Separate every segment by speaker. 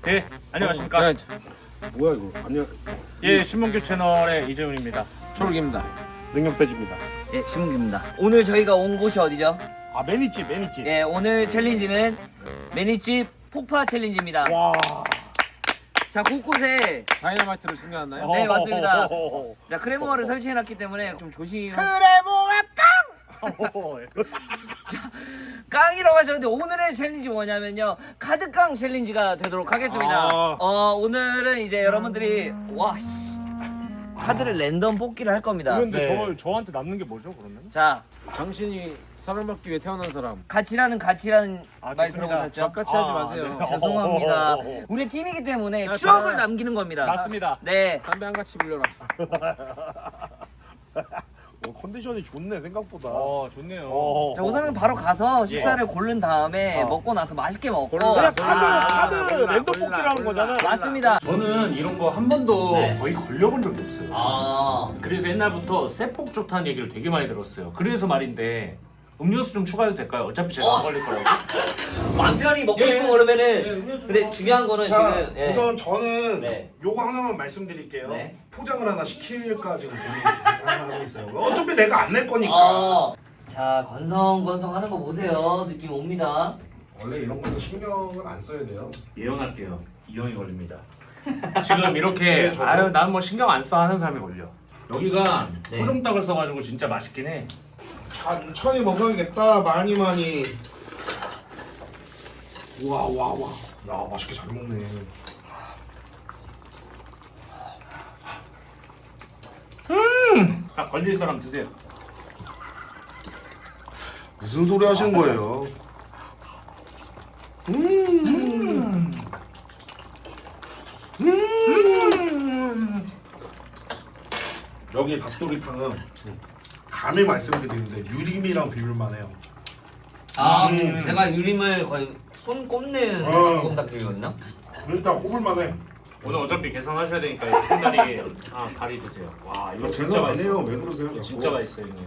Speaker 1: 네, 안녕하십니까.
Speaker 2: 뭐야 이거? 안녕.
Speaker 1: 예, 신문규 채널의 이재훈입니다.
Speaker 2: 초록입니다. 능력돼지입니다.
Speaker 3: 예, 신문기입니다. 오늘 저희가 온 곳이 어디죠?
Speaker 2: 아 매니집.
Speaker 3: 예, 오늘 챌린지는 매니집 폭파 챌린지입니다.
Speaker 2: 와.
Speaker 3: 자, 곳곳에
Speaker 2: 다이너마이트를 숨겨놨나요?
Speaker 3: 네, 맞습니다. 자, 크레모아를 설치해놨기 때문에 좀 조심.
Speaker 2: 크레모아
Speaker 3: 깡이라고 하셨는데 오늘의 챌린지 뭐냐면요, 카드깡 챌린지가 되도록 하겠습니다. 오늘은 이제 여러분들이 카드를 랜덤 뽑기를 할 겁니다.
Speaker 1: 그런데
Speaker 2: 네.
Speaker 1: 저한테 남는 게 뭐죠, 그러면?
Speaker 3: 자,
Speaker 2: 당신이 사랑받기 위해 태어난 사람.
Speaker 3: 가치라는 말
Speaker 1: 좋습니다.
Speaker 3: 들어보셨죠?
Speaker 2: 같이 하지 마세요.
Speaker 3: 죄송합니다. 우리 팀이기 때문에 추억을 남기는 겁니다.
Speaker 1: 맞습니다.
Speaker 3: 네.
Speaker 2: 담배 한 같이 빌려라.
Speaker 4: 컨디션이 좋네 생각보다.
Speaker 1: 좋네요.
Speaker 3: 자, 우선은 바로 가서 식사를 고른 다음에 먹고 나서 맛있게 먹고.
Speaker 4: 그냥 카드
Speaker 2: 골라,
Speaker 4: 랜덤
Speaker 2: 골라,
Speaker 4: 뽑기라는
Speaker 2: 골라.
Speaker 4: 거잖아.
Speaker 3: 맞습니다.
Speaker 1: 저는 이런 거 한 번도
Speaker 3: 네.
Speaker 1: 거의 걸려본 적이 없어요. 그래서 옛날부터 세폭 좋다는 얘기를 되게 많이 들었어요. 그래서 말인데 음료수 좀 추가해도 될까요? 어차피 제가 안 걸릴 거라고.
Speaker 3: 맘 편히 먹고
Speaker 1: 예.
Speaker 3: 싶은 거 그러면은.
Speaker 1: 예, 음료수
Speaker 3: 근데 중요한 거는
Speaker 4: 자,
Speaker 3: 지금. 예.
Speaker 4: 우선 저는
Speaker 3: 네.
Speaker 4: 요거 하나만 말씀드릴게요.
Speaker 3: 네.
Speaker 4: 포장을 하나 시킬까 지금 고민하고 있어요. 어차피 내가 안 낼 거니까.
Speaker 3: 자, 건성건성 하는 거 보세요. 느낌 옵니다.
Speaker 4: 원래 이런 거는 신경을 안 써야 돼요.
Speaker 1: 예언할게요. 이 형이 걸립니다. 지금 이렇게
Speaker 4: 네, 저도.
Speaker 1: 난 뭐 신경 안 써 하는 사람이 걸려. 여기가
Speaker 3: 네.
Speaker 1: 토종닭을 써가지고 진짜 맛있긴 해.
Speaker 4: 천천히 먹어야겠다. 많이. 와. 야 맛있게 잘 먹네.
Speaker 1: 딱 걸릴 사람 드세요.
Speaker 4: 무슨 소리 하시는 거예요? 여기 닭도리탕은 감히 말씀드리는데 유림이랑 비빌만해요.
Speaker 3: 제가 유림을 거의 손 꼽는 닭곰닭들이거든요.
Speaker 4: 일단 꼽을만해.
Speaker 1: 오늘 어차피 계산하셔야 되니까 이 큰 다리 다리 드세요. 와 이거 진짜
Speaker 4: 계산 안
Speaker 1: 맛있어.
Speaker 4: 해요. 왜 그러세요? 자꾸?
Speaker 1: 진짜 맛있어요 형님.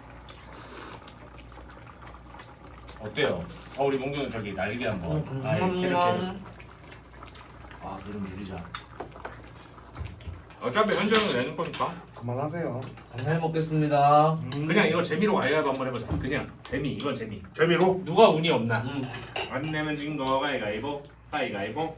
Speaker 1: 어때요? 우리 몽규는 저기 날개 한번. 이렇게. 이름 줄이자. 어차피 현재는 내는 거니까.
Speaker 4: 그만하세요.
Speaker 3: 잘 먹겠습니다.
Speaker 1: 그냥 이거 재미로 가위바위보 한번 해보자. 그냥 재미. 이건 재미.
Speaker 4: 재미로?
Speaker 1: 누가 운이 없나? 안 내면 진 거 가위바위보. 가위바위보.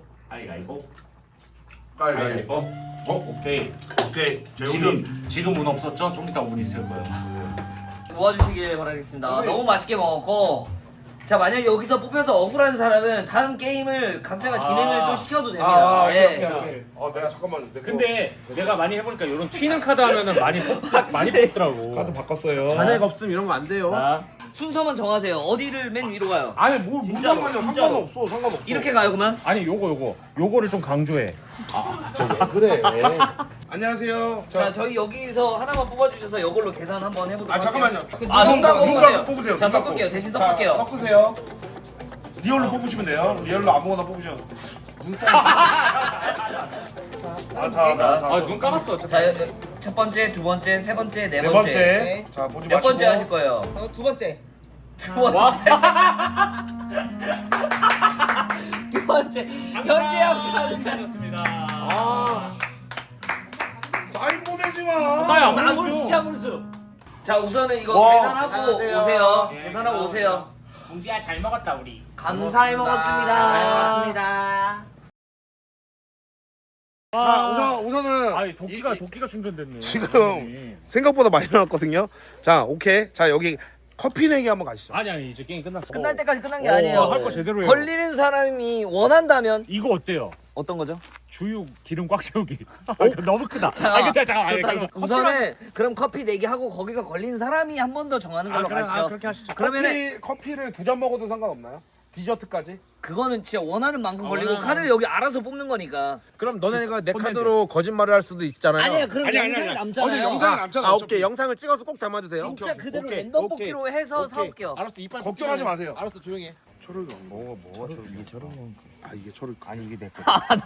Speaker 1: 가위바위보. 오케이. 지금 운 없었죠? 좀 이따 운 있을 거예요.
Speaker 3: 모아주시길 바라겠습니다. 너무 맛있게 먹었고. 자, 만약 여기서 뽑혀서 억울한 사람은 다음 게임을 각자가 진행을 또 시켜도 됩니다. 예.
Speaker 4: 오케이. 내가 잠깐만.
Speaker 1: 근데 내가 많이 해보니까 이런 튀는 카드 하면은 많이 뽑더라고.
Speaker 4: 카드 바꿨어요.
Speaker 2: 잔액 없음 이런 거 안 돼요.
Speaker 1: 자,
Speaker 3: 순서만 정하세요. 어디를 맨 위로 가요?
Speaker 4: 아니 뭐
Speaker 1: 진짜로,
Speaker 4: 상관이야.
Speaker 1: 진짜로.
Speaker 4: 상관없어.
Speaker 3: 이렇게 가요, 그러면?
Speaker 1: 아니 요거를 좀 강조해.
Speaker 4: 왜 그래? 안녕하세요.
Speaker 3: 자, 저희 여기서 하나만 뽑아주셔서 이걸로 계산 한번 해보도록
Speaker 4: 잠깐만요.
Speaker 3: 아, 눈 감고
Speaker 4: 눈
Speaker 3: 뽑으세요.
Speaker 4: 감고 뽑으세요.
Speaker 3: 자,
Speaker 4: 눈 감고.
Speaker 3: 섞을게요. 대신
Speaker 4: 자,
Speaker 3: 섞을게요.
Speaker 4: 섞으세요. 리얼로 뽑으시면 돼요. 리얼로 아무거나 뽑으셔.
Speaker 1: 눈 감았어.
Speaker 3: 자, 첫 번째, 두 번째, 세 번째, 네
Speaker 4: 네
Speaker 3: 번째.
Speaker 4: 번째. 자, 보지
Speaker 3: 몇
Speaker 4: 마시고.
Speaker 3: 번째 하실 거예요?
Speaker 5: 두 번째.
Speaker 3: 두 번째. 두 번째. 현재형
Speaker 1: 하셨습니다.
Speaker 4: 사인 보내지 마.
Speaker 1: 싸요.
Speaker 3: 아무르수 아무르수. 자, 우선은 이거
Speaker 4: 와.
Speaker 3: 계산하고
Speaker 2: 안녕하세요.
Speaker 3: 오세요.
Speaker 1: 예,
Speaker 3: 계산하고 오세요.
Speaker 1: 공지야 잘 먹었다 우리.
Speaker 3: 감사히 먹었습니다.
Speaker 4: 자, 우선은
Speaker 1: 아니 도끼가 충전됐네.
Speaker 4: 지금 생각보다 많이 나왔거든요. 자, 오케이. 자, 여기 커피 내기 한번 가시죠.
Speaker 1: 아니 이제 게임 끝났어.
Speaker 3: 끝날 때까지 끝난 게 아니에요.
Speaker 1: 할 거 제대로 해요.
Speaker 3: 걸리는 사람이 원한다면
Speaker 1: 이거 어때요?
Speaker 3: 어떤 거죠?
Speaker 1: 주유 기름 꽉 채우기. 너무 크다. 근데 잠깐만.
Speaker 3: 좋다.
Speaker 1: 그래서
Speaker 3: 우선은 그럼 커피 내기 하고 거기서 걸린 사람이 한 번 더 정하는 걸로 가시죠.
Speaker 1: 그렇게 하시죠.
Speaker 3: 그러면은
Speaker 4: 커피를 2잔 먹어도 상관없나요? 디저트까지?
Speaker 3: 그거는 진짜 원하는 만큼 걸리고
Speaker 1: 원하는-
Speaker 3: 카드를 여기 알아서 뽑는 거니까.
Speaker 2: 그럼 너네가 내
Speaker 1: 폰렌즈.
Speaker 2: 카드로 거짓말을 할 수도 있잖아요.
Speaker 3: 아니야, 그럼 영상이 남잖아요.
Speaker 4: 영상이 남잖아.
Speaker 2: 아 오케이 영상을 찍어서 꼭 담아주세요.
Speaker 3: 진짜 그대로
Speaker 2: 오케이,
Speaker 3: 랜덤
Speaker 2: 오케이.
Speaker 3: 뽑기로 해서
Speaker 2: 오케이.
Speaker 3: 사올게요.
Speaker 2: 알았어 이빨
Speaker 4: 걱정하지 마세요.
Speaker 2: 알았어 조용히 해.
Speaker 4: 초록이 뭐가 초록이? 이게 초록이. 이게 초록.
Speaker 1: 아니 이게 내 거.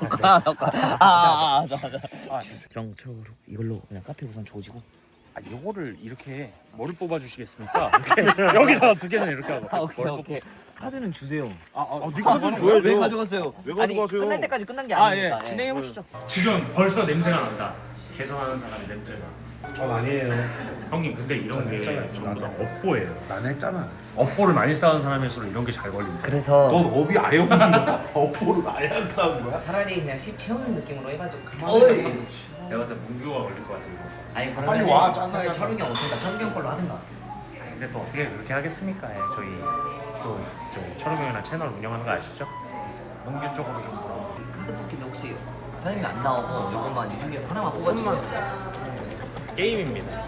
Speaker 3: 정초록 이걸로 그냥 카페 우선 조지고.
Speaker 1: 요거를 이렇게 뭐를 뽑아주시겠습니까? 이렇게 여기다 두 개는 이렇게 하고.
Speaker 3: 오케이. 카드는 주세요.
Speaker 4: 네 카드 줘야죠.
Speaker 3: 왜 가져갔어요?
Speaker 4: 왜
Speaker 3: 아니
Speaker 4: 가져가세요?
Speaker 3: 끝날 때까지 끝난 게
Speaker 1: 아 예,
Speaker 3: 아니니까.
Speaker 1: 진행해 보시죠. 지금 벌써 냄새가 난다. 계산하는 사람의 냄새가.
Speaker 5: 전 아니에요.
Speaker 1: 형님 근데 이런
Speaker 5: 전
Speaker 1: 게
Speaker 5: 했잖아요.
Speaker 1: 전부 다
Speaker 5: 나도.
Speaker 1: 업보예요.
Speaker 5: 난 했잖아.
Speaker 1: 업보를 많이 쌓은 사람일수록 이런 게 잘 걸린다.
Speaker 3: 그래서
Speaker 5: 넌 업이 아예 없는 거야. 업보를 아예 안 싸운 거야?
Speaker 3: 차라리 그냥 10 채우는 느낌으로 해가지고 그만.
Speaker 1: 내가 봤을 때 문교가 걸릴 것 같아 이거.
Speaker 3: 아니
Speaker 5: 빨리
Speaker 3: 그러면
Speaker 5: 와, 짠나게.
Speaker 3: 철웅이 형 없으니까 철웅이 형 걸로 하든가.
Speaker 1: 근데 또 어떻게 그렇게 하겠습니까? 예, 저희 또 저희 철욱이 형이랑 채널 운영하는 거 아시죠? 문교 쪽으로 좀 보라.
Speaker 3: 카드 뽑기는 혹시 사장님이 안 나오고 이것만 이 중에서 하나만 뽑아주세요.
Speaker 1: 게임입니다.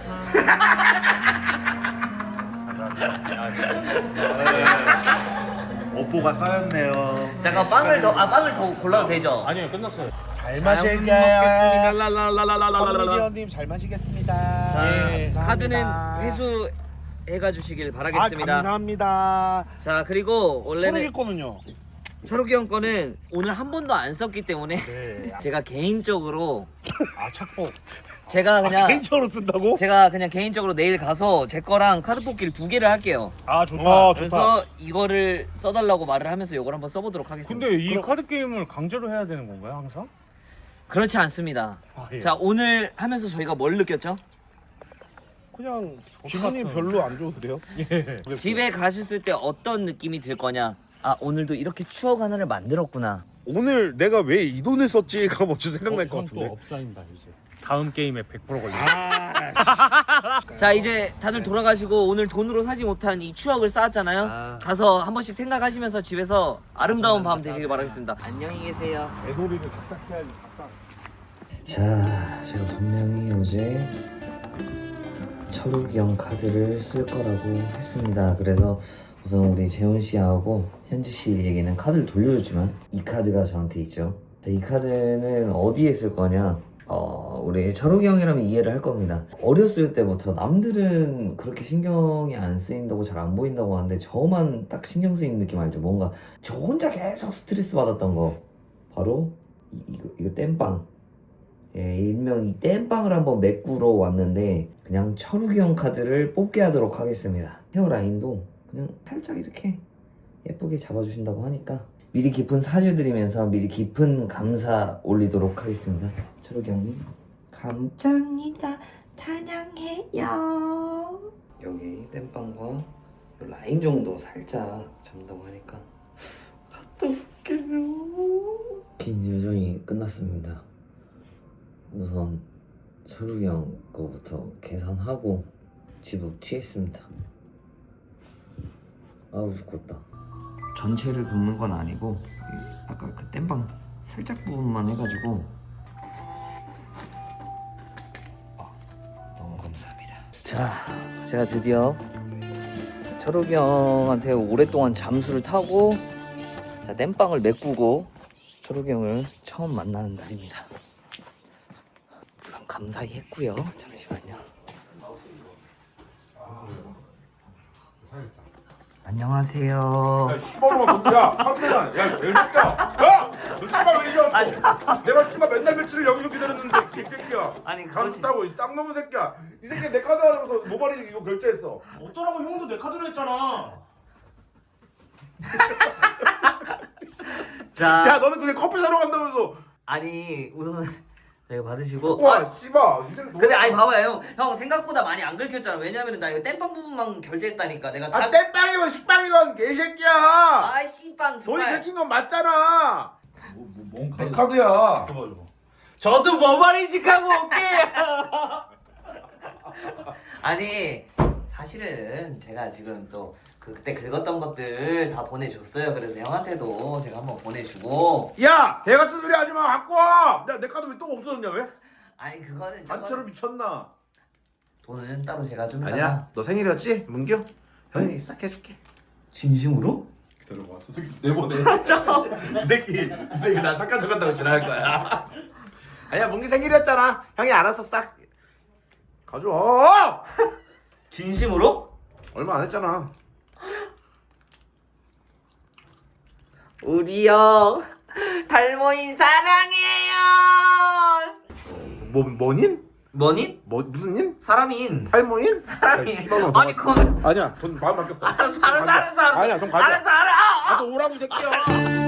Speaker 1: 감사합니다.
Speaker 5: 업보가 쌓였네요.
Speaker 3: 잠깐 빵을 더 골라도 되죠?
Speaker 1: 아니요 끝났어요.
Speaker 5: 잘
Speaker 4: 마실게요.
Speaker 5: 커미디언님 잘 마시겠습니다.
Speaker 3: 자, 카드는 회수해가 주시길 바라겠습니다.
Speaker 4: 감사합니다.
Speaker 3: 자 그리고 원래는
Speaker 4: 초록이 거는요?
Speaker 3: 철욱이 형 거는 오늘 한 번도 안 썼기 때문에 제가 개인적으로
Speaker 1: 착복.
Speaker 3: 제가 그냥
Speaker 4: 개인적으로 쓴다고?
Speaker 3: 제가 그냥 개인적으로 내일 가서 제 거랑 카드 뽑기를 2개를 할게요.
Speaker 1: 아 좋다.
Speaker 4: 좋다.
Speaker 3: 그래서 이거를 써달라고 말을 하면서 이걸 한번 써보도록 하겠습니다.
Speaker 1: 근데 이 카드 게임을 강제로 해야 되는 건가요 항상?
Speaker 3: 그렇지 않습니다.
Speaker 1: 예.
Speaker 3: 자 오늘 하면서 저희가 뭘 느꼈죠?
Speaker 4: 그냥 기분이 별로 안 좋은데요?
Speaker 1: 예.
Speaker 3: 집에 가셨을 때 어떤 느낌이 들 거냐? 아 오늘도 이렇게 추억 하나를 만들었구나.
Speaker 4: 오늘 내가 왜 이 돈을 썼지가 먼저 생각날 것 같은데.
Speaker 1: 업사인다 이제. 다음 게임에 100% 걸려.
Speaker 3: 자 이제 다들 돌아가시고 오늘 돈으로 사지 못한 이 추억을 쌓았잖아요. 가서 한 번씩 생각하시면서 집에서 아름다운 밤 되시길 바라겠습니다. 안녕히 계세요.
Speaker 4: 애소리를 각각 해야지.
Speaker 3: 자, 제가 분명히 어제 철욱이 형 카드를 쓸 거라고 했습니다. 그래서 우선 우리 재훈 씨하고 현지 씨에게는 카드를 돌려줬지만 이 카드가 저한테 있죠. 자, 이 카드는 어디에 쓸 거냐? 우리 철욱이 형이라면 이해를 할 겁니다. 어렸을 때부터 남들은 그렇게 신경이 안 쓰인다고 잘 안 보인다고 하는데 저만 딱 신경 쓰이는 느낌 알죠? 뭔가 저 혼자 계속 스트레스 받았던 거 바로 이거 땜빵. 예, 일명 이 땜빵을 한번 메꾸러 왔는데 그냥 철욱이 형 카드를 뽑게 하도록 하겠습니다. 헤어라인도 그냥 살짝 이렇게 예쁘게 잡아주신다고 하니까 미리 깊은 사죄드리면서 미리 깊은 감사 올리도록 하겠습니다. 철욱이 형님 감사합니다. 찬양해요. 여기 땜빵과 라인 정도 살짝 잡는다고 하니까 갔다 올게요. 긴 여정이 끝났습니다. 우선 철욱이 형 거부터 계산하고 집으로 튀했습니다. 아우 죽겠다. 전체를 붓는 건 아니고 아까 그 땜빵 살짝 부분만 해가지고 너무 감사합니다. 자, 제가 드디어 철욱이 형한테 오랫동안 잠수를 타고 자 땜빵을 메꾸고 철욱이 형을 처음 만나는 날입니다. 우선 감사히 했고요. 잠시만요. 안녕하세요.
Speaker 4: 신발로만 야 카메라 야 새끼야 야너 신발 왜 이래 내가 신발 맨날 며칠을 여기서 기다렸는데 개새끼야
Speaker 3: 아니, 그거지.
Speaker 4: 잠수타고 이 쌍놈의 새끼야 이 새끼 내 카드 가져가서 모바일식 이거 결제했어.
Speaker 1: 어쩌라고 형도 내 카드로 했잖아.
Speaker 3: 자,
Speaker 4: 야 너는 그냥 커피 사러 간다면서
Speaker 3: 아니 우선 저희가 받으시고.
Speaker 4: 와 씨발 이 새끼
Speaker 3: 근데 아니 봐봐요, 형 생각보다 많이 안 긁혔잖아. 왜냐면은 나 이거 땜빵 부분만 결제했다니까. 내가 다.
Speaker 4: 땜빵이건 식빵이건 개새끼야
Speaker 3: 아이 씨빵
Speaker 4: 돈이
Speaker 3: 정말.
Speaker 4: 긁힌 건 맞잖아.
Speaker 1: 뭔
Speaker 4: 내 카드야.
Speaker 1: 저도 모발이식하고 올게요.
Speaker 3: 아니 사실은 제가 지금 또 그때 긁었던 것들 다 보내줬어요. 그래서 형한테도 제가 한번 보내주고.
Speaker 4: 야 개 같은 소리 하지 마 갖고 와. 내 카드 왜 또 없어졌냐 왜?
Speaker 3: 아니 그거는
Speaker 4: 단체로 미쳤나?
Speaker 3: 돈은 따로 제가 좀
Speaker 2: 아니야 너 생일이었지? 문규? 형이 싹 해줄게.
Speaker 3: 진심으로?
Speaker 2: 기다려봐 저 새끼 내보내. 이 새끼 나 착한 척한다고 지랄할 거야. 아니야 문규 생일이었잖아. 형이 알아서 싹 가져와.
Speaker 3: 진심으로?
Speaker 2: 얼마 안 했잖아.
Speaker 3: 우리 형 달모인 사랑해요.
Speaker 2: 뭐닌?
Speaker 3: 뭐닌?
Speaker 2: 뭐 무슨 인?
Speaker 3: 사람인.
Speaker 2: 탈모인?
Speaker 3: 사람인.
Speaker 2: 야, 씨발, 너
Speaker 3: 아니 그건
Speaker 2: 아니야 돈 마음 바뀌었어.
Speaker 3: 알았어 알았어 알았어 알았어.
Speaker 2: 아니야 돈 가져.
Speaker 3: 알았어 알아.
Speaker 2: 나도 오라고 이 새끼야.